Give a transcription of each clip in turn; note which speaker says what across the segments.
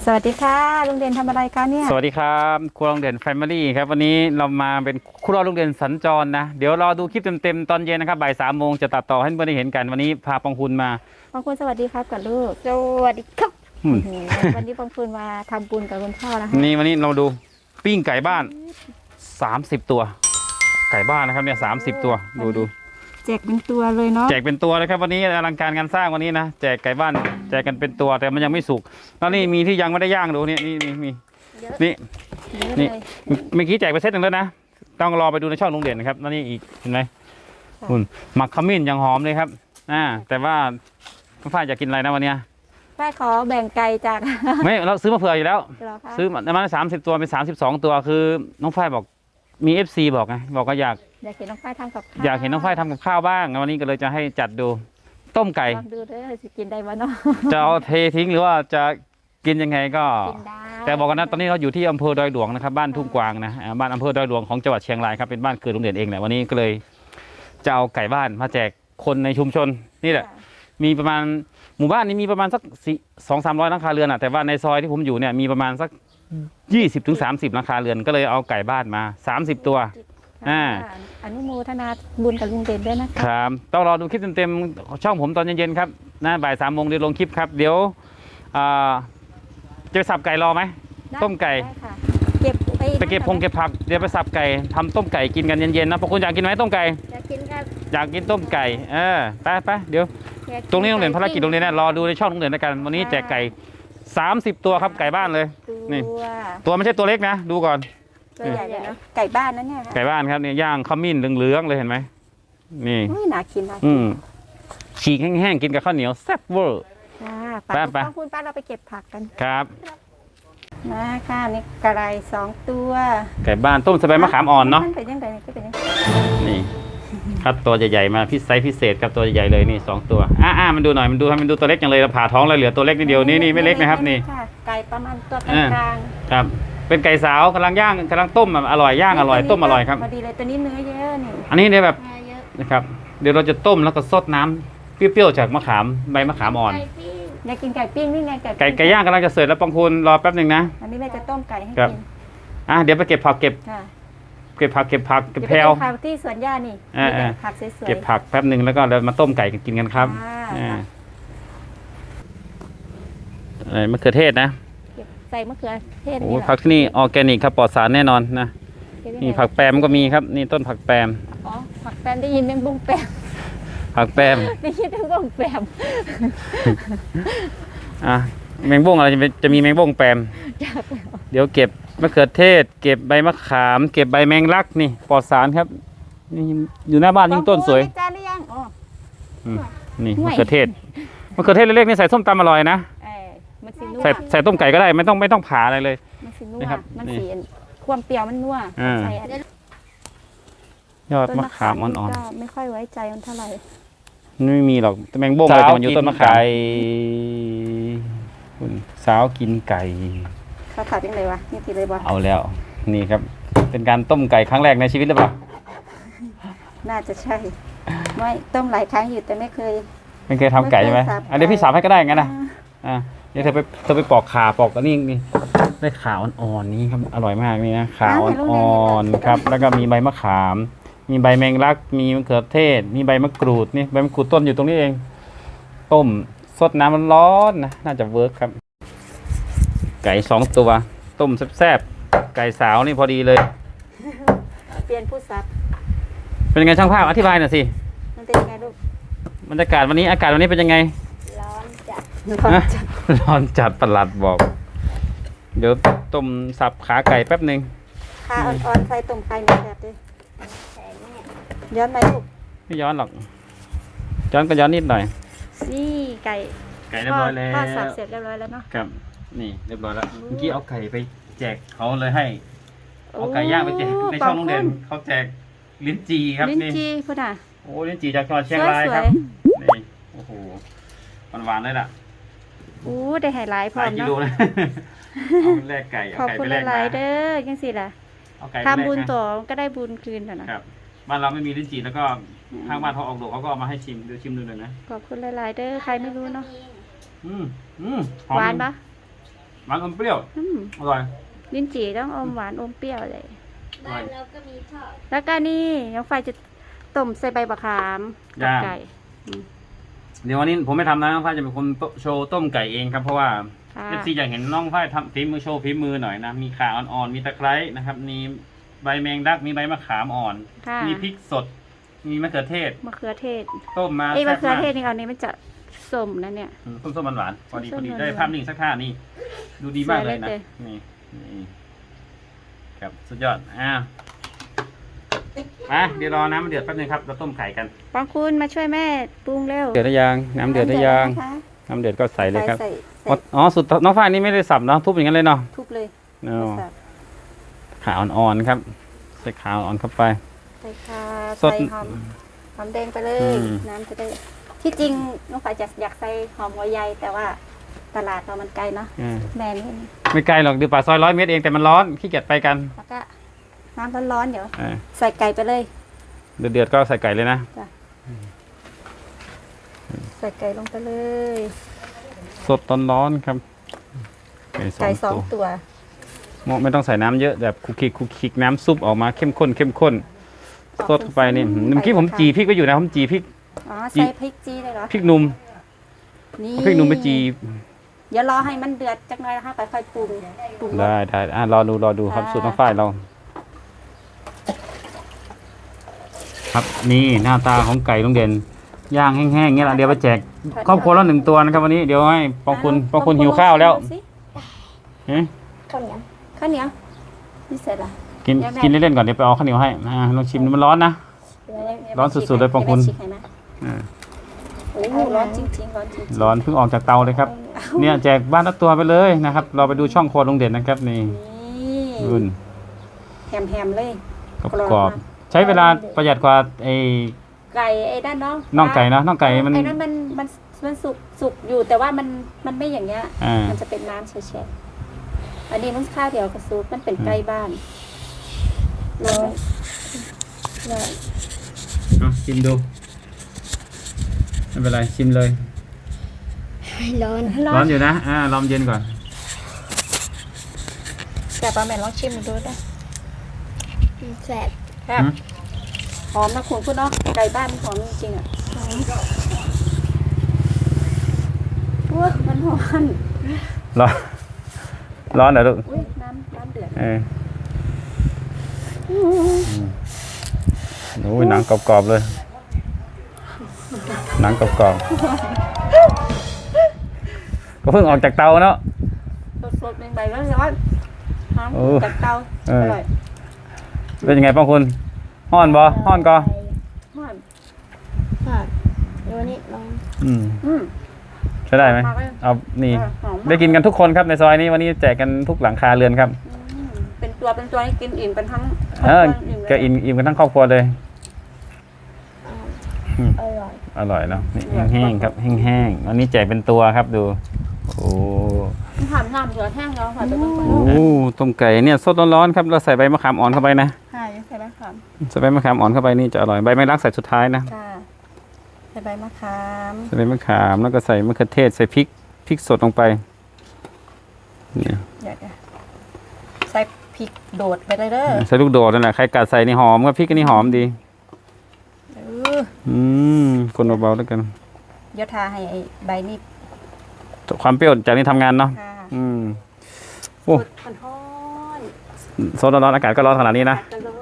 Speaker 1: สวัสดีค่ะลุงเด่นทำอะไรคะเนี่ย
Speaker 2: สวัสดีครับครัวลุงเด่นแฟมิลี่ครับวันนี้เรามาเป็นครัวลุงเด่นสัญจรนะเดี๋ยวรอดูคลิปเต็มๆตอนเย็นนะครับบ่าย3 โมงจะตัดต่อให้เพื่อนได้เห็นกันวันนี้พาปองคุณมา
Speaker 1: ปองคุณสวัสดีครับกับลูกสวัสดีครับวันนี้ปองคุณมาทำบุญกับคุณพ่อนะคะ
Speaker 2: นี่วันนี้เราดูปิ้งไก่บ้าน30 ตัวไก่บ้านนะครับเนี่ย30 ตัวดู
Speaker 1: แจกเป็นตัวเลยเนาะ
Speaker 2: แจกเป็นตัวเลยครับวันนี้อลังการงานสร้างวันนี้นะแจกไก่บ้านแจกกันเป็นตัวแต่มันยังไม่สุกแล้วนี่มีที่ยังไม่ได้ย่างดูนี่มีนี่เมื่อกี้แจกไปเซตหนึ่งแล้วนะต้องรอไปดูในช่องลุงเด่นนะครับแล้วนี่อีกเห็นไหมคุณหมักขมิ้นยังหอมเลยครับแต่ว่าฝ้ายอยากกินอะไรนะวันนี้
Speaker 1: ฝ้ายขอแบ่งไก่จาก
Speaker 2: ไม่เราซื้อมาเผื่ออยู่แล้วซื้อมา30 ตัวเป็น32 ตัวคือน้องฝ้ายบอกมี FC บอกไงบอกก็อยาก
Speaker 1: เห็นน้องฝ้ายทำกับข้าว
Speaker 2: อยากเห็นน้องฝ้ายทำกับข้าวบ้างวันนี้ก็เลยจะให้จัดดูต้มไก่
Speaker 1: ลองดูเด้อจะกินได้บ้างเนาะ
Speaker 2: จะเอาเททิ้งหรือว่าจะกินยังไงก็
Speaker 1: กินได้
Speaker 2: แต่บอกกันนะตอนนี้เราอยู่ที่อำเภอดอยหลวงนะครับบ้านทุ่งกวางนะบ้านอำเภอดอยหลวงของจังหวัดเชียงรายครับเป็นบ้านเกิดลุงเด่นเองแหละวันนี้ก็เลยจะเอาไก่บ้านมาแจกคนในชุมชนนี่แหละมีประมาณหมู่บ้านนี้มีประมาณสัก200-300 หลังคาเรือนแต่ว่าในซอยที่ผมอยู่เนี่ยมีประมาณสัก20-30 หลังคาเรือนก็เลยเอาไก่บ้านมา30 ตัว
Speaker 1: อนุโมทนาบุญกับลุงเด่นด้วยนะครับ
Speaker 2: ต้องรอดูคลิปเต็มๆช่องผมตอนเย็นๆครับบ่าย3 โมงเดี๋ยวลงคลิปครับเดี๋ยวจะไปสับไก่รอไหมต้มไก่ไปเก็บพงเก็บผักเดี๋ยวไปสับไก่ทำต้มไก่กินกันเย็นๆนะพวกคุณอยากกินไหมต้มไก่
Speaker 1: อยากกินครับ
Speaker 2: อยากกินต้มไก่ไปเดี๋ยวตรงนี้โรงเรียนภารกิจโรงเรียนนะรอดูในช่องโรงเรียนแล้วกันวันนี้แจกไก่30 ตัวครับไก่บ้านเลยนี่ตัวไม่ใช่ตัวเล็กนะดูก่อน
Speaker 1: ตัวใหญ่เลยเนาะไก่บ้านนั่นเนี่ย
Speaker 2: ไก่บ้านครับเนี่ยย่างขมิ้นเหลืองๆเลยเห็นไหมนี่
Speaker 1: น่ากิน
Speaker 2: ฉีกแห้งๆกินกับข้าวเหนียวแซ่บเวอร์
Speaker 1: ไปคุณป้าเราไปเก็บผักกัน
Speaker 2: ครับ
Speaker 1: มาค่ะนี่ไก่2 ตัว
Speaker 2: ไก่บ้านต้มสบายมะขามอ่อนเนาะ
Speaker 1: เป็นยังไง
Speaker 2: นี่คัดตัวใหญ่ๆมาพิเศษกับตัวใหญ่ๆเลยนี่2 ตัวมันดูหน่อยมันดูตัวเล็กจังเลยเราผ่าท้องแล้วเหลือตัวเล็กนิดเดียวนี่ไม่เล็กนะครับนี่
Speaker 1: ไก่ประมาณตัวกลาง
Speaker 2: ครับเป็นไก่สาวกำลังย่างกำลังต้มอร่อยย่างอร่อยต้มอร่อยครับ
Speaker 1: พอดีเลยตัวนี้เนื้อเยอะนี่
Speaker 2: อันนี้เนี่ยแบบนะครับเดี๋ยวเราจะต้มแล้วก็ซดน้ำเปรี้ยวๆจากมะขามใบมะขามอ่อน
Speaker 1: อยากกินไก่ปิ้งนี่ไง
Speaker 2: ไก่ย่างกำลังจะเสร็จแล้วปองคุณรอแป๊บหนึ่งนะ
Speaker 1: อันนี้แม่จะต้มไก่ให้กิ
Speaker 2: นเดี๋ยวไปเก็บผักเก็บผักเก็บแพลว
Speaker 1: ที่สวนหญ้านี่ผักสวยๆ
Speaker 2: เก็บผักแป๊บหนึ่งแล้วก็เรามาต้มไก่กินกันครับมะเขือเทศนะ
Speaker 1: ใส่มะเขือเทศ
Speaker 2: นี่ผักที่นี่ออร์แกนิกครับปลอดสารแน่นอนนะนี่ผักแปมก็มีครับนี่ต้นผักแปม
Speaker 1: ผักแปมได้ยินแมงบุ้งแปม
Speaker 2: ผักแปม
Speaker 1: ได้ยินแมงบุ้งแปม
Speaker 2: แมงบุ้งอะไรจะมีแมงบุ้งแปมเดี๋ยวเก็บมะเขือเทศเก็บใบมะขามเก็บใบแมงลักนี่ปลอดสารครับนี่อยู่หน้าบ้านยิ่งต้นสวยนี่มะเขือเทศเล็กๆนี่ใส่ส้มตำอร่อยนะใส่ต้มไก่ก็ได้ไม่ต้องผ่าอะไรเลย
Speaker 1: นะครับมันสีความเปรี้ยวมันนัวย
Speaker 2: อดมะขามอ่อน
Speaker 1: ๆไม่ค่อยไว้ใจมันเท่าไหร่
Speaker 2: ไม่มีหรอกแมงบ้งอะไรแต่มันอยู่ต้นมะขามสาวกินไก่
Speaker 1: เขาขาดยังไงวะนี่ทีเลยบ่
Speaker 2: เอาแล้วนี่ครับเป็นการต้มไก่ครั้งแรกในชีวิตหรือเปล่า
Speaker 1: น่าจะใช่ไม่ต้มหลายครั้งอยู่แต่ไม่เคย
Speaker 2: ทำไก่ใช่ไหมเดี๋ยวพี่สาวให้ก็ได้งั้นนะเดี๋ยวเธอไปปอกขาปอกอันนี้ได้ขาอ่อนๆนี่ครับอร่อยมากนี่นะขาอ่อนๆครับแล้วก็มีใบมะขามมีใบแมงลักมีมะเขือเทศมีใบมะกรูดนี่ใบมะกรูดต้นอยู่ตรงนี้เองต้มสดน้ำร้อนนะน่าจะเวิร์กครับไก่2 ตัวต้มแซ่บๆไก่สาวนี่พอดีเลย
Speaker 1: เปลี่ยนผู้ซับ
Speaker 2: เป็นยังไงช่างภาพอธิบายหน่อยสิ
Speaker 1: มันเป็นยังไงลูก
Speaker 2: บรรยากาศวันนี้อากาศวันนี้เป็นยังไงร้อนจัดประหลัดบอกเดี๋ยวต้มสับขาไก่แป๊บหนึ่ง
Speaker 1: ขาอ่อนๆใส่ต้มไก่นี่แซ่บดิย้อนไหมลูก
Speaker 2: ไม่ย้อนหรอกย้อนก็ย้อนนิดหน่อย
Speaker 1: นี่ไก่
Speaker 2: เรียบร้อยแล้ว
Speaker 1: ทอดสับเสร็จเรียบร้อยแล้วเนาะ
Speaker 2: ครับนี่เรียบร้อยแล้วเมื่อกี้เอาไก่ไปแจกเขาเลยให้เอาไก่ย่างไปแจกในช่องโรงเรียนเขาแจกลิ้นจีครับ
Speaker 1: ลิ้นจีพุ่น
Speaker 2: โอ้ลิ้นจีจากจังหวัดเชียงรายครับนี่โอ้โหหวานเลยล่ะ
Speaker 1: ได้ไฮไลท์พร้อมเนาะ
Speaker 2: เอาแลกไก่
Speaker 1: ขอบคุณหลายๆเด้อยังสิล่ะทำบุญต่อก็ได้บุญคืนนะครับ
Speaker 2: บ้านเราไม่มีลิ้นจี่แล้วก็ทางบ้านเขาออกดอกเขาก็เอามาให้ชิมดูเลยนะ
Speaker 1: ขอบคุณหลายๆเด้อใครไม่รู้เนาะ
Speaker 2: หว
Speaker 1: านปะ
Speaker 2: หวานอมเปรี้ยว
Speaker 1: อืม
Speaker 2: อร่อย
Speaker 1: ลิ้นจี่ต้องอมหวานอมเปรี้ยวเลย
Speaker 3: บ้านเราก็มีทอด
Speaker 1: แล้วก็นี่น้องไฟจะต้มใส่ใบมะขามกับไก่
Speaker 2: เดี๋ยววันนี้ผมไม่ทำนะน้องฝ้ายจะเป็นคนโชว์ต้มไก่เองครับเพราะว่า
Speaker 1: ค่ะ
Speaker 2: เอฟซีอยากเห็นน้องฝ้ายทำฝีมือโชว์ฝีมือหน่อยนะมีข่าอ่อนๆมีตะไคร้นะครับมีใบแมงดักมีใบมะขามอ่อน
Speaker 1: ค่ะ
Speaker 2: มีพริกสด มีมะเขือเทศ
Speaker 1: มะเขือเทศ
Speaker 2: ต้มมา
Speaker 1: ไอ้
Speaker 2: แซ่
Speaker 1: มะ
Speaker 2: บ
Speaker 1: เขือ
Speaker 2: มาก
Speaker 1: เทศนี่เอานี้มันจะส้มนะเนี่ย
Speaker 2: ส้มๆหวานๆพอดี
Speaker 1: ส้มๆ
Speaker 2: ได้
Speaker 1: หวานๆ
Speaker 2: ภาพนิ่งสักท่านี่ดูดีมากเลยนะ
Speaker 1: สวยเลย
Speaker 2: นี่นี่ครับสุดยอดมาเดี๋ยวรอน้ำมันเดือดแป๊บนึงครับเราต้มไข่กัน
Speaker 1: ปองคุณมาช่วยแม่ปรุงเร็ว
Speaker 2: เดือดได้ยังน้ำเดือดได้ยัง
Speaker 1: นะคะ
Speaker 2: น้ำเดือดก็ใส่เลยครับ
Speaker 1: ใส่
Speaker 2: อ๋อสุดน้องฝ้ายนี่ไม่ได้สับเนาะทุบอย่างนั้นเลยเนาะ
Speaker 1: ทุบเลย
Speaker 2: เนาะ
Speaker 1: ใส่
Speaker 2: ขาอ่อนๆครับใส่ขาอ่อนเข้าไป
Speaker 1: ใส่ค่ะ
Speaker 2: สด
Speaker 1: ใส่หอมแดงไปเลย
Speaker 2: อืม
Speaker 1: น้ำจะได้ที่จริงน้องฝ่ายจะอยากใส่หอมหัวใหญ่แต่ว่าตลาดเรามันไกลเนาะ
Speaker 2: อ่า
Speaker 1: แม่นี่
Speaker 2: ไม่ไกลหรอกดูป่าซอย100 เมตรเองแต่มันร้อนขี้เกียจไปกัน
Speaker 1: แล้วก็น้ำร้อนๆเดี๋ยว
Speaker 2: อ่า
Speaker 1: ใส่ไก่ไปเลย
Speaker 2: เดือดๆก็ใส่ไก่เลยนะ
Speaker 1: ใส่ไก่ลงไปเลย
Speaker 2: สดตอนร้อนครับ
Speaker 1: ไก่สอง
Speaker 2: ตัว
Speaker 1: ตัว
Speaker 2: ไม่ต้องใส่น้ำเยอะแบบคุกคิกน้ำซุปออกมาเข้มข้นสดเข้าไปนี่เมื่อกี้ผมจีพริกไว้อยู่นะผมจีพริก
Speaker 1: อ๋อใส่พริกจีเลยเหรอ
Speaker 2: พริกหนุ่ม
Speaker 1: นี่
Speaker 2: พริกหนุ่มไปจี
Speaker 1: เดี๋ยวรอให้มันเดือดจักหน่อยนะคะค่อยๆปรุงรส
Speaker 2: ได้รอดูครับ
Speaker 1: ค่ะ
Speaker 2: สูตรน้องฝ้ายเรา ครับนี่หน้าตาของไก่ลุงเด่นย่างแห้งๆเงี้ยละเดี๋ยวไปแจกครอบครัวละ1 ตัวนะครับวันนี้เดี๋ยวให้ปองคุณหิวข้าวแล้ว
Speaker 1: สิ
Speaker 2: เอ๊ะ
Speaker 3: ข้าวเหนียว
Speaker 1: ข้าวเหนียวนี่เสร็จละ
Speaker 2: กิน
Speaker 1: เดี๋ยวแม่
Speaker 2: กินเล่นๆก่อนเดี๋ยวไปเอาข้าวเหนียวให้ลองชิมดูมันร้อนนะ ร้อนสุดๆเลยปองคุณ
Speaker 1: ให้แม่ฉีกให้ไหม
Speaker 2: อ่า
Speaker 1: โอ้โหร้อนจริงๆร้อนจริงๆ
Speaker 2: ร้อนเพิ่งออกจากเตาเลยครับ เนี่ยแจกบ้านละตัวไปเลยนะครับเราไปดูช่องครัวลุงเด่นนะครับนี่
Speaker 1: นี่
Speaker 2: รุ่น
Speaker 1: แฮมๆเลย
Speaker 2: กรอบๆใช้เวลาประหยัดกว่าไอ้
Speaker 1: ไก่ไอ้ด้านน้อง
Speaker 2: น่องไก่นะน่องไก่มัน
Speaker 1: ไอ้นั่นมันสุกอยู่แต่ว่ามันไม่อย่างเงี้ย
Speaker 2: อ่า
Speaker 1: มันจะเป็นน้ำแฉะๆอันนี้มันข้าวเดียวกับซุปมันเป็นไก่บ้านร้อน
Speaker 2: เอาชิมดูไม่เป็นไรชิมเลย
Speaker 3: ร้อน
Speaker 2: ร้อนอยู่นะลองเย็นก่อน
Speaker 1: แต่ป้าแม่ลองชิมดูด้วย
Speaker 3: แสบ
Speaker 1: ครับหอมนะคุณเนาะไก่บ้านมันหอมจริงๆอ่ะว้ามันหอม
Speaker 2: ร้อนเหรอลูก
Speaker 1: อุ้ยน้ำเดือด
Speaker 2: โอ้ยหนังกรอบๆเลยหนังกรอบๆก็เพิ่งออกจากเตาเนาะ
Speaker 1: สดๆใหม่ๆร้อนๆหอม
Speaker 2: โอ้
Speaker 1: จากเตา
Speaker 2: เอ
Speaker 1: อ
Speaker 2: อ
Speaker 1: ร่อย
Speaker 2: เป็นยังไงป้องคุณห้อนบ่ห้อนก็
Speaker 1: หอม
Speaker 3: ดูนี่ลอง
Speaker 1: อืม
Speaker 2: ใช้ได้ไหมเอานี่
Speaker 1: หอมมาก
Speaker 2: ได้กินกันทุกคนครับในซอยนี้วันนี้แจกกันทุกหลังคาเรือนครับ
Speaker 1: เป็นตัวให้กินอิ่มกันทั้ง
Speaker 2: แกอิ่มกันทั้งครอบครัวเลย
Speaker 3: อร่อย
Speaker 2: อร่อยเนาะนี่แห้งๆครับแห้งๆวันนี้แจกเป็นตัวครับดูโอ้
Speaker 1: ถามน้ำเดือดแห้งแล้วค่ะเป็นคน
Speaker 2: โอ้ต้มไก่เนี่ยสดร้อนๆครับเราใส่ใบมะขามอ่อนเข้าไปนะ
Speaker 1: ค่ะยังใส่ใบมะขาม
Speaker 2: ใส่ใบมะขามอ่อนเข้าไปนี่จะอร่อยใบแมงลักใส่สุดท้ายนะ
Speaker 1: ค่ะใส่ใบมะขาม
Speaker 2: ใส่ใบมะขามแล้วก็ใส่มะเขือเทศใส่พริกสดลงไปเนี่ย
Speaker 1: เดี๋ยวใส่พริกโดดไปเลยเด้อ
Speaker 2: ใส่ลูกโดดนั่นแหละใครกัดใส่นี่หอมครับพริกก็นี่หอมดี คนเบาๆแล้วกัน
Speaker 1: เดี๋ยวทาให้ไอ้ใบนี้
Speaker 2: ความเปรี้ยวจากนี้ทำงานเนาะ
Speaker 1: ค่ะ
Speaker 2: โอ้
Speaker 1: มันร้อน
Speaker 2: โซนร้อนๆอากาศก็ร้อนขนาดนี้นะ
Speaker 1: จะร้อน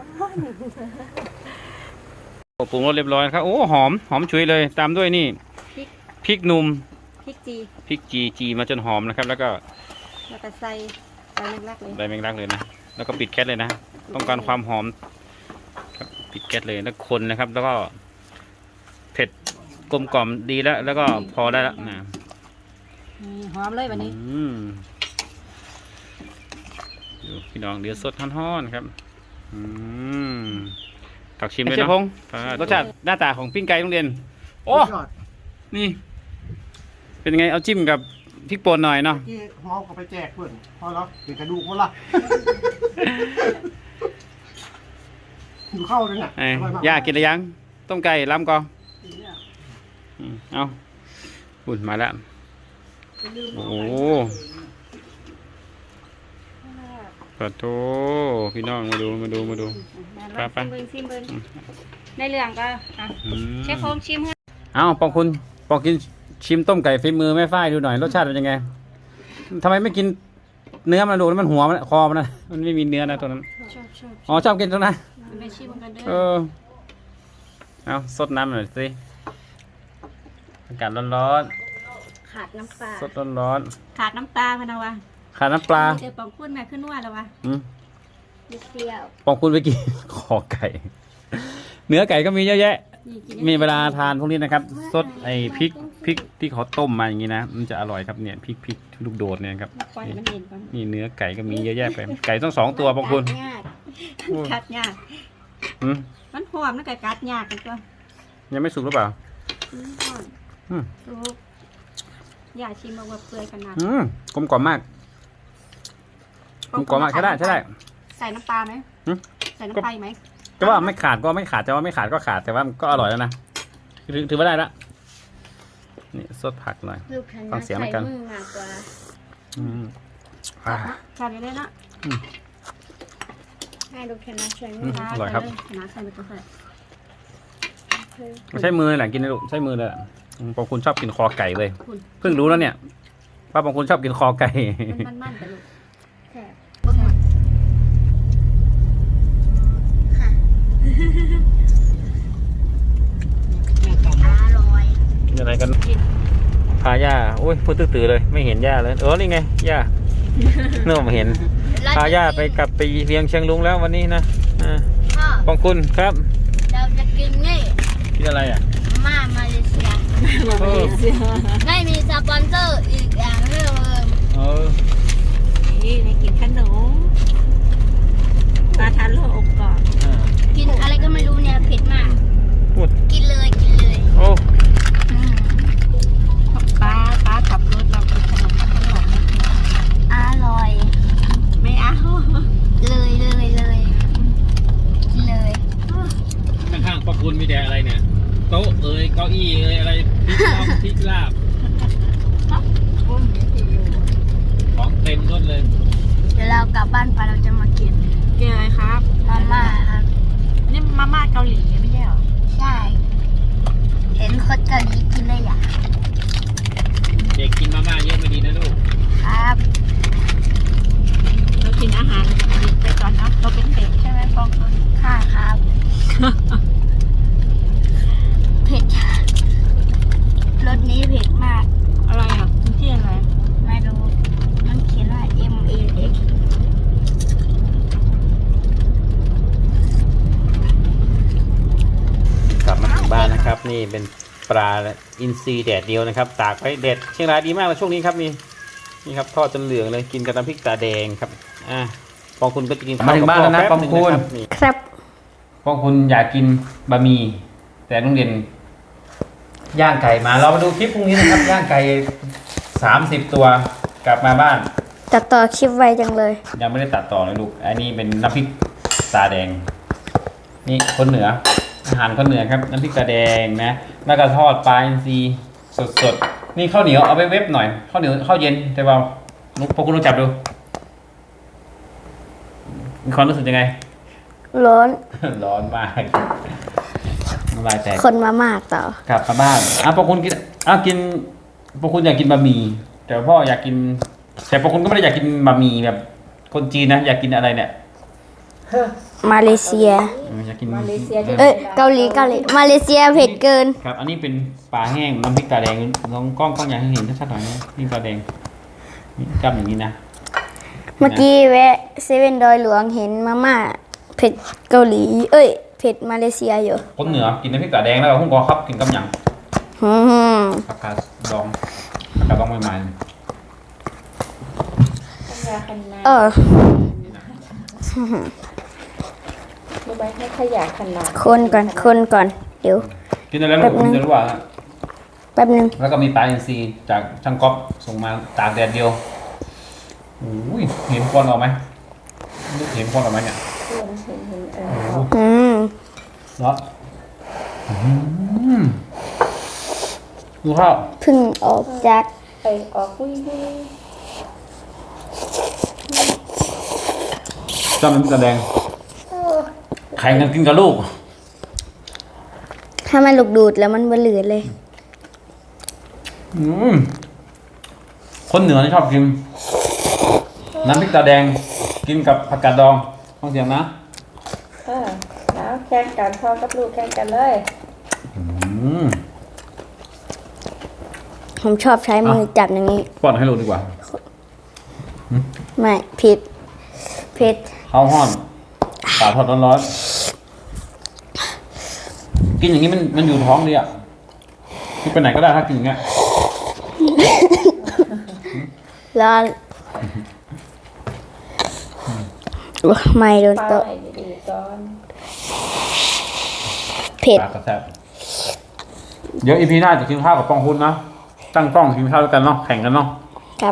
Speaker 2: ปรุงรสเรียบร้อยครับโอ้หอมฉุยเลยตามด้วยนี่พริกหนุ่ม
Speaker 1: พริกจี
Speaker 2: พริกจีมาจนหอมนะครับ แล้วก็
Speaker 1: แล้วก็ใส่ใบแมงลักเลย
Speaker 2: ใบแมงลักเลยนะแล้วก็ปิดแก๊สเลยนะต้องการความหอมครับปิดแก๊สเลยแล้วคนนะครับ แล้วก็เผ็ดกลมกล่อมดีแล้วก็พอได้แล้วนะ
Speaker 1: หอมเลยวันนี้
Speaker 2: ดูพี่น้องเดี๋ยวสดฮ้อนๆครับตักชิมเลยเนาะรสชาติหน้าตาของปิ้งไก่โรงเรียนโอ้นี่ เป็นไงเอาจิ้มกับพริกป่นหน่อยเนาะ
Speaker 4: ที่หอมก็ไปแจกเพื่อนพอแล้วเป็นกระดูกหมดละอยู่เข้าเลยน่ะ
Speaker 2: ไอ้ย่ากินหรือยังต้มไก่ล้ำก่อนเอาอุ่นมาแล้วโอ้ขอโทษพี่น้องมาดู ไป
Speaker 1: ชิมเบิ้งในเรื่องก็เชฟโฟมชิมให้
Speaker 2: เอ้าปองกินชิมต้มไก่ฝีมือแม่ฝ้ายดูหน่อยรสชาติเป็นยังไงทำไมไม่กินเนื้อมันดูแล้วมันหัวมันคอมันนะมันไม่มีเนื้อนะตัวนั้น
Speaker 1: ชอบ
Speaker 2: อ๋อชอบกินตรงนั้น
Speaker 1: ไปชิมกันเด้
Speaker 2: เอ
Speaker 1: อ
Speaker 2: อเอาสดน้ำหน่อยสิอากาศร้อน
Speaker 3: ขาดน้ำปลา
Speaker 2: ๆสดร้อน
Speaker 1: ขาดน้ำตาพะนะวะ
Speaker 2: ๆขาดน้ำปลา
Speaker 1: เดี๋ยวปองคุณแม่ขึ้นนวดแล้ววะ
Speaker 2: อืม
Speaker 3: นิดเดียว
Speaker 2: ปองคุณไปกิน คอไก่ เนื้อไก่ก็มีเยอะแยะ
Speaker 1: นี่กิน
Speaker 2: มีเวลาทานพวกนี้นะครับซดไอ้พริกที่เขาต้มมาอย่างนี้นะมันจะอร่อยครับเนี่ยพริกลูกโดดเนี่ยครับ
Speaker 1: ปล่อยมันเย็นก่อน
Speaker 2: นี่เนื้อไก่ก็มีเยอะแยะไปไก่ต้อง2 ตัวปองคุณ
Speaker 3: ยาก
Speaker 1: กัดยาก
Speaker 2: อืม
Speaker 1: มันหอมนะไก่กัดยากกันตัว
Speaker 2: ยังไม่สุกหรือเปล่า
Speaker 1: หอม
Speaker 2: อืม
Speaker 1: สุกอย่าชิมเอาว่าเปื่อยขนาด
Speaker 2: กลมกล่อมมากกลมกล่อมมากใช่ได้
Speaker 1: ใส่น้ำปลาไหม
Speaker 2: หึ
Speaker 1: ใส่น้ำปลาไหม
Speaker 2: จะว่าไม่ขาดก็ไม่ขาดแต่ว่าไม่ขาดก็ขาดแต่ว่ามันก็อร่อยแล้วนะถือว่าได้ละนี่ซดผักหน่อย
Speaker 3: ลูกฉัน
Speaker 2: ฟังเสียงแล้วกัน
Speaker 3: ใส่มือมากกว่า
Speaker 2: อืมอ่า
Speaker 1: ใส่ไปเลยนะ
Speaker 3: ให้ลูกฉันใช้มื
Speaker 2: อื
Speaker 3: อ
Speaker 2: มอร่อยครับ
Speaker 1: น้ำใส่ไปตัวใส่
Speaker 2: ใช้มือแหละกินนะลูกใช้มือเลยแหละบางคุณชอบกินคอไก่เลย
Speaker 1: คุณ
Speaker 2: เพิ่งรู้แล้วเนี่ยว่าบางคุณชอบกินคอไก่
Speaker 1: มันๆกันลูก
Speaker 3: แซ่บ อร่อย
Speaker 2: กินอะไรกันพาย่าโอ้ยพูดตื้อๆเลยไม่เห็นย่าเลยนี่ไงย่าเนื่อมาเห็นพาย่าไปกลับไปเวียงเชียงลุงแล้ววันนี้นะ
Speaker 3: พ่อบ
Speaker 2: างคุณครับ
Speaker 3: เราจะกินนี่
Speaker 2: กินอะไรอ่ะ
Speaker 3: มาเลเซีย ไม่มีสปอนเซอร์อีกอย่างหนึง
Speaker 2: เออ
Speaker 1: นี่ในกินขนมปลาทานโลอบกรอบ
Speaker 3: กินอะไรก็ไม่รู้เนี่ยเผ็ดมาก
Speaker 2: พูด
Speaker 3: กินเลยกินเลย
Speaker 2: โอ้
Speaker 1: ป้าขับรถเรากินขนมข้างหลัง
Speaker 3: อร่อย
Speaker 1: ไม่เอา
Speaker 3: เลยกินเลย
Speaker 2: ข้างๆปะคุณมีแต่อะไรเนี่ยโต๊ะเอ้ยเก้าอี้เอ้ยอะไรพริกต้มพริกลาบของเต็มรถเลย
Speaker 3: เดี๋ยวเรากลับบ้านไปเราจะมากิน
Speaker 1: เกลืออะไรครับ
Speaker 3: มาม่าครับ
Speaker 1: นี่มาม่าเกาหลีไม่ใช่เหรอ
Speaker 3: ใช่ เห็นคนเกาหลีกินเลยอ่ะ
Speaker 2: เด็กกินมาม่าเยอะไม่ดีนะลูก
Speaker 3: ครับ
Speaker 1: เรากินอาหารดิบไปก่อนเนาะเราเป็นเด็กใช่ไหมฟอง
Speaker 3: ค่ะครับ เผ็ดรสนี้เผ็ดมาก
Speaker 1: อะไรอ่ะกินที่อะไร
Speaker 3: ไม่รู้ มันเขียนว่า MAX
Speaker 2: กลับมาถึงบ้านนะครับ นี่เป็นปลาอินทรีแดดเดียวนะครับตากไว้เด็ดเชียงรายดีมากเลยช่วงนี้ครับนี่ครับทอดจนเหลืองเลยกินกับน้ำพริกตาแดงครับปองคุณก็จะกินมาถึงบ้านแล้วนะปองคุณ
Speaker 3: ครับ
Speaker 2: ปองคุณอยากกินบะหมี่แต่ลุงเด่นย่างไก่มาเรามาดูคลิปพรุ่งนี้นะครับ ย่างไก่30 ตัวกลับมาบ้าน
Speaker 3: ตัดต่อคลิปไวจังเลย
Speaker 2: ยังไม่ได้ตัดต่อเลยลูกอันนี้เป็นน้ำพริกตาแดงนี่คนเหนืออาหารคนเหนือครับน้ำพริกตาแดงนะแล้วก็ทอดปลาอินทรีสดๆนี่ข้าวเหนียวเอาไปเว็บหน่อยข้าวเหนียวข้าวเย็นแต่ว่าพวกคุณลองจับดูมีความรู้สึกยังไง
Speaker 3: ร้อน
Speaker 2: ร้อนมากน้ำลายแตก
Speaker 3: คนมามากต่อก
Speaker 2: ลับมาบ้านพวกคุณกินกินพวกคุณอยากกินบะหมี่แต่พ่ออยากกินแต่พวกคุณก็ไม่ได้อยากกินบะหมี่แบบคนจีนนะอยากกินอะไรเนี่ย
Speaker 3: มาเลเซีย
Speaker 2: อยากกิน
Speaker 3: เกาหลีมาเลเซียเผ็ดเกิน
Speaker 2: ครับอันนี้เป็นปลาแห้งน้ำพริกตาแดงน้องกล้องอยากให้เห็นชัดๆหน่อยนะพริกตาแดงนี่จับอย่างนี้นะ
Speaker 3: เมื่อกี้แวะเซเว่นดอยหลวงเห็นมาม่าเผ็ดเกาหลีเผ็ดมาเลเซียอยู่
Speaker 2: คนเหนือกินน้ำพริกตาแดงแล้วก็หุ้งกอครับกินกับหยัง
Speaker 3: อืม
Speaker 2: ผักกาดดองผักกาดดองใหม่
Speaker 3: เออ
Speaker 1: รู้ไหมให้ขยะขนาด
Speaker 3: คนก่อนเดี๋ยว
Speaker 2: ๆกินอะไรลูกคุณจะรู้ว่า
Speaker 3: แป๊บนึง
Speaker 2: แล้วก็มีปลาอินทรีจากช่างก๊อฟส่งมาตากแดดเดียวโอ้ยเห็นควันออกไหมเห็นควันออกไหมเนี่ย
Speaker 3: อืม
Speaker 2: เนาะดูข้าว
Speaker 3: เพิ่งออกจาก
Speaker 1: ไปออกคุย
Speaker 2: จ้ำน้ำพริกตาแดงแข่งกันกินกับลูก
Speaker 3: ถ้ามันลูกดูดแล้วมันบะเหลือเลย
Speaker 2: คนเหนือนี่ชอบกินน้ำพริกตาแดงกินกับผักกาดดองฟังเสียงนะ
Speaker 1: แล้วแข่งกันพ่อกับลูกแข่งกันเลย
Speaker 3: ผมชอบใช้มือจับอย่างนี้
Speaker 2: ป้อนให้ลูกดีกว่า
Speaker 3: ไม่ผิด
Speaker 2: ข้าวห้อนปลาทอดร้อนๆกินอย่างนี้มันอยู่ท้องดีอ่ะกินไปไหนก็ได้ถ้ากินอย่างเงี้ย
Speaker 3: ร้อนไม่โดนโต๊ะ
Speaker 1: ดีๆก่อน
Speaker 3: เผ็ด
Speaker 2: ปลากระแทกเดี๋ยวอีพีหน้าจะกินข้าวกับปองคุณนะตั้งกล้องกินข้าวด้วยกันเนาะแข่งกันเนาะ
Speaker 3: ครับ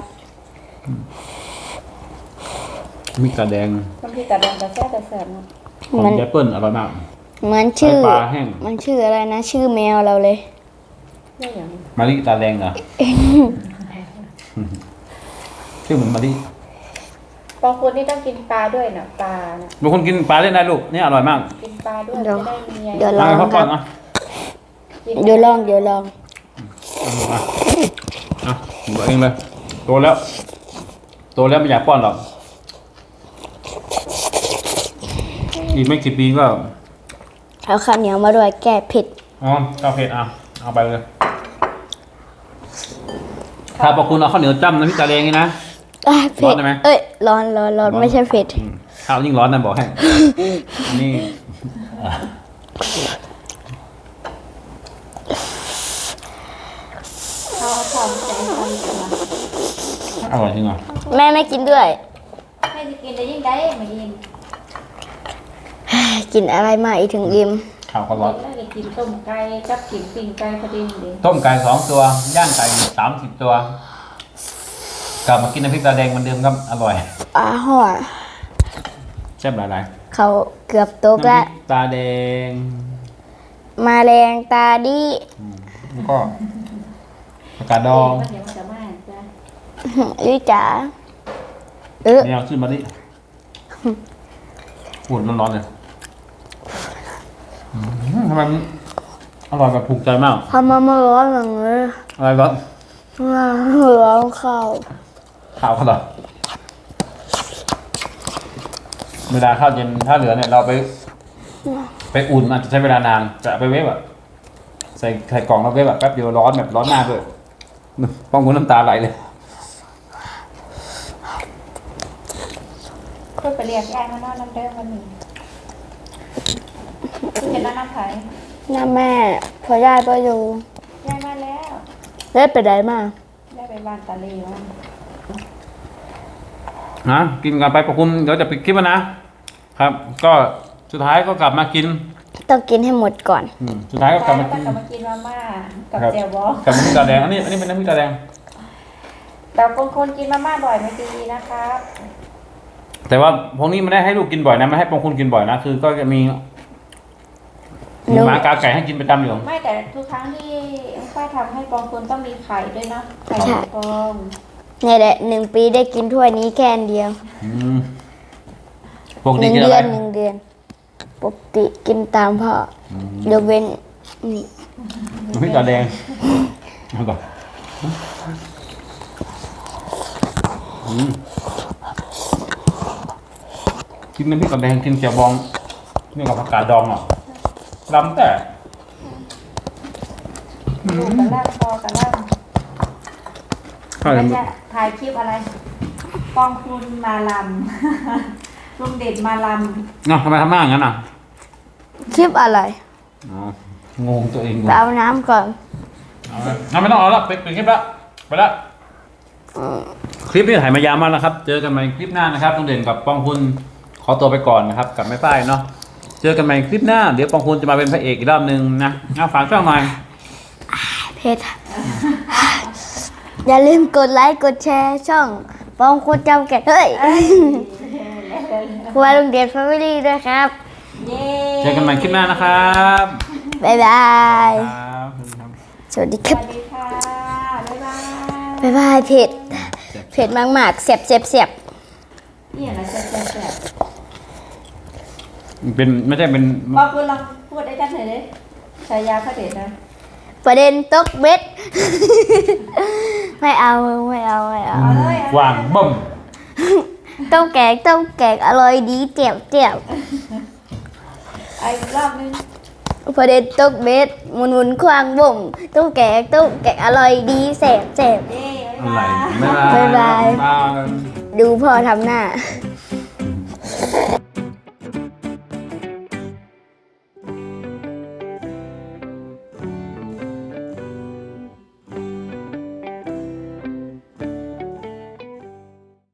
Speaker 2: มีกระแดง
Speaker 1: น้ำพริกตาแดงกระแซ่บเนาะ
Speaker 2: ของ
Speaker 3: มัน
Speaker 2: แอปเปิ้ลอร่อยมาก
Speaker 3: เหมือนชื่อ
Speaker 2: ปลาแห้ง
Speaker 3: มันชื่ออะไรนะ ชื่อแมวเราเลย
Speaker 1: ไม่อย่าง
Speaker 2: มะลิตาแดงเหรอ ชื่อเหมือนมะลิ
Speaker 1: บางคนนี่ต้องกินปลาด้วยนะปลานะ
Speaker 2: บางคนกินปลาเล่นได้ลูกนี่อร่อยมาก
Speaker 1: กินปลาด้วย
Speaker 3: เดี๋ยว
Speaker 1: จะได้มี
Speaker 3: เดี๋ยวล
Speaker 2: เอา
Speaker 3: อง
Speaker 2: ให้เขา
Speaker 3: ค
Speaker 2: ป้อ
Speaker 3: รั
Speaker 2: น
Speaker 3: บ
Speaker 2: นะ
Speaker 3: เดี๋ยวลอง
Speaker 2: อ่ะหนูเองเลยโตแล้วไม่อยากป้อนหรอกอีกไม่กี่ปีก็
Speaker 3: เอาข้าวเหนียวมาด้วยแก้เผ็ด
Speaker 2: อ๋อข้าวเผ็ดเอาไปเลยถ้าพอคุณเอาข้าวเหนียวจ้ำน้ำพริกตาแดงนี่นะ
Speaker 3: เผ็
Speaker 2: ร้อ
Speaker 3: ด
Speaker 2: นได้ไหม
Speaker 3: เอ้ยร้อนไม่ใช่เผ็ด
Speaker 2: ข้าวยิ่งร้อนนะบอกให้นี่
Speaker 1: เขาเอาทำใจทำกันนะ
Speaker 2: อร่อยจริงเหรอ
Speaker 3: แม่ไม่กินด้วย
Speaker 1: ให้จะกินได้ยิ่งได้มายิน
Speaker 3: กินอะไรมาอีกถึงอิ่ม
Speaker 2: ข้าวก็ร้อน
Speaker 1: แล้วจะกินต้มไก่กับกินปิ้งไก่พอดีเลย
Speaker 2: ต้มไก่2 ตัวย่างไก่30 ตัวกลับมากินน้ำพริกตาแดงเหมือนเดิมครับอร่อย
Speaker 3: ห่อ
Speaker 2: แซ่บหลาย
Speaker 3: เขาเกือบต
Speaker 2: ๆ
Speaker 3: กแล้ว
Speaker 2: น้ำพริกตาแดง
Speaker 3: มาแรงตาดี
Speaker 2: แล้วก็ผักกาดดอง
Speaker 1: มันเดี๋ยวมันจะมาจ้ะ
Speaker 3: ยุ้ยจ๋า
Speaker 2: แนวชื่อมาดิอุ่นร้อนๆเลยทำไมมันอร่อยแบบถูกใจมาก
Speaker 3: ทำมาร้อนอย่างนี้
Speaker 2: อะไรร้อน
Speaker 3: ร้อนข้าว
Speaker 2: ข้าวเขาเหรอเวลาข้าวเย็นถ้าเหลือเนี่ยเราไปอุ่นอาจจะใช้เวลานานจะเอาไปเวฟอะใส่กล่องแล้วเวฟแบบแป๊บเดียวร้อนแบบร้อนมากเลยป้องคุณน้ำตาไหลเลย
Speaker 1: เพื่อไปเรียกยายมานอนน้ำเดิมวันนี้เห็นแล้วน้ำไผ่
Speaker 3: น้าแม่พอย่าก็อยู่
Speaker 1: ยายมาแล้ว
Speaker 3: เล่นไปไหนมา
Speaker 1: ได้ไปบ้านตาลีวัน
Speaker 2: นะกินกันไปประคุมเดี๋ยวจะปิดคลิปแล้วนะครับ ก็สุดท้ายก็กลับมากิน
Speaker 3: ต้องกินให้หมดก่อน
Speaker 2: สุดท้ายก็กลับมากิน
Speaker 1: กลับมากินมาม่ากับ
Speaker 2: ครับ
Speaker 1: เจียวบอ
Speaker 2: กับน้ำพริกตาแดงอันนี้เป็นน้ำพริกตาแดง
Speaker 1: แต่บางคนกินมาม่าบ่อยไม่ดีนะครับ
Speaker 2: แต่ว่าพวกนี้ไม่ได้ให้ลูกกินบ่อยนะไม่ให้ปองคุณกินบ่อยนะคือก็จะมีหมากาไก่ให้กินประจำอยู่
Speaker 1: ไม่แต่ทุกครั้งที่ฝ้ายทำให้ปองคุณต้องมีไข่ด้วยเนาะไข่
Speaker 3: ใช่
Speaker 1: ฟอง
Speaker 3: นี่แหละ1 ปีได้กินถ้วยนี้แค่อันเดียว
Speaker 2: พวก
Speaker 3: ห
Speaker 2: นี้
Speaker 3: นึ่ง
Speaker 2: กิน
Speaker 3: เดื
Speaker 2: อะไร
Speaker 3: อนปกติกินตามพ่อยกเว้นนี่
Speaker 2: น้ำพริกตาแดงเอาก่อนกินน้ำพริกตาแดงกินเจียวบองนี่กับผักกาดดองอ่ะล้ำแต่
Speaker 1: ดูกระล่างพอกระล่าง
Speaker 2: ข้าว
Speaker 1: แล้วจะถ่ายคลิปอะไรปองคุณมาลำ ลุงเด่นมาล
Speaker 2: เนาะทำไมทำหน้าอย่างนั้นอ่ะ
Speaker 3: คลิปอะไร
Speaker 2: อ๋องงตัวเอง
Speaker 3: ไปเอาน้ำก่อน
Speaker 2: เอาไม่ต้องเอาละปิดคลิปละไปละคลิปนี้ถ่ายมายาวมากแล้วครับ เจอกันใหม่คลิปหน้านะครับลุงเด่นกับปองคุณขอตัวไปก่อนนะครับกับแม่ป้ายเนาะเจอกันใหม่คลิปหน้าเดี๋ยวปองคุณจะมาเป็นพระเอกอีกรอบนึงนะเอาฝากช่องหน่อย
Speaker 3: เพชร อย่าลืมกดไลค์กดแชร์ช่องปองคุณจำแก่เฮ้ยครัวลุงเดชแฟมิลี่ด้วยครับ
Speaker 1: ำเย้
Speaker 2: เจอกันใหม่คลิปหน้านะครับ
Speaker 3: บ๊ายบาย
Speaker 2: ครับ
Speaker 3: สวัสดี
Speaker 1: ส
Speaker 3: ครับ
Speaker 1: วัสดีค่ะ บ๊ายบาย
Speaker 3: บ๊ายบายเผ็ดเผ็ดมากๆเสียบ
Speaker 1: นี่อะไรแซ่บ
Speaker 2: เป็นไม่ใช่เป็น
Speaker 1: บอกคุณลองพูดได้กันหน่อยดิฉายาพระเดชนะ
Speaker 3: ประเด็นตกเบ็ด ไม่เอา
Speaker 1: เอาเลย
Speaker 2: วางบ่ม
Speaker 3: ต้มแกงอร่อยดีเจียว
Speaker 1: เอาอีกรอบนึง
Speaker 3: ประเด็นตกเบ็ดหมุนควางบ่มต้มแกงอร่อยดีแสบ
Speaker 1: เย้
Speaker 2: อะไร
Speaker 3: บ๊ายบาย
Speaker 2: บ๊ายบาย
Speaker 3: ดูพ่อทำหน้า